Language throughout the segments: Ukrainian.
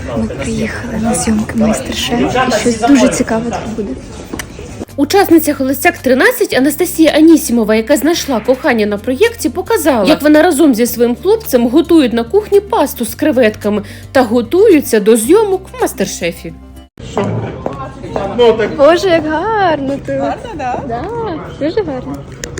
Ми приїхали на зйомки майстер-шеф і щось дуже цікаве тут буде. Учасниця «Холостяк 13» Анастасія Анісімова, яка знайшла кохання на проєкті, показала, як вона разом зі своїм хлопцем готують на кухні пасту з креветками та готуються до зйомок в майстер-шефі. Боже, як гарно тут. Гарно, так? Да, дуже гарно.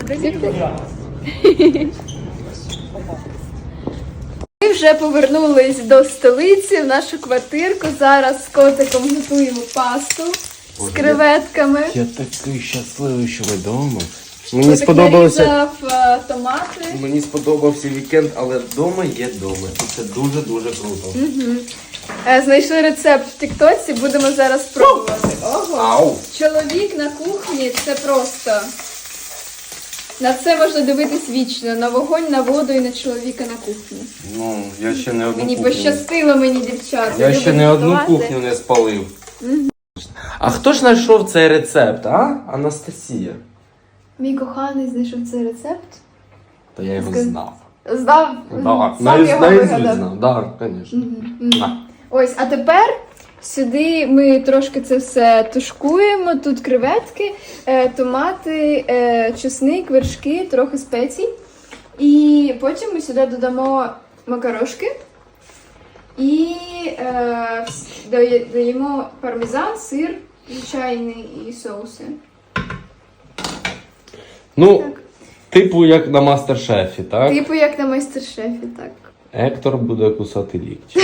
Ми вже повернулись до столиці, в нашу квартирку. Зараз з котиком готуємо пасту з креветками. Я такий щасливий, що ви вдома. Мені сподобався томати. Мені сподобався вікенд, але вдома є вдома. І це дуже-дуже круто. Знайшли рецепт в тіктоці, будемо зараз пробувати. Ого! Ау! Чоловік на кухні – це просто... На це можна дивитись вічно. На вогонь, на воду і на чоловіка на кухні. Ну, я ще не одну Мені кухню. пощастило мені, дівчата. Я ще Люблю не одну готувати. кухню не спалив. А хто ж знайшов цей рецепт, а? Анастасія. Мій коханий знайшов цей рецепт. Та я його Скажи. знав. Знав, Да, сам його вигадав. знав, да, звісно. Ось, а тепер сюди ми трошки це все тушкуємо. Тут креветки, томати, чесник, вершки, трохи спецій. І потім ми сюди додамо макарошки. І даємо пармезан, сир, звичайний і соуси. Ну, Так. типу як на мастер-шефі, так? Типу як на майстер-шефі, так. Ектор буде кусати лікті.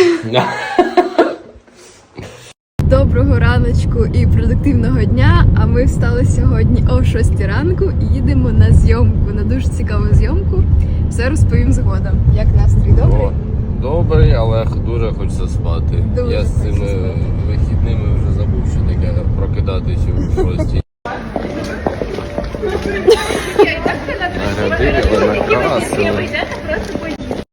Доброго раночку і продуктивного дня. А ми встали сьогодні о 6 ранку і їдемо на зйомку, на дуже цікаву зйомку. Все розповім згодом. Як настрій, добрий? Добрий, але дуже хочеться спати. Дуже Я з цими хочеться спати. вихідними вже забув, що таке прокидатися в 6. Нарядили, накрасили.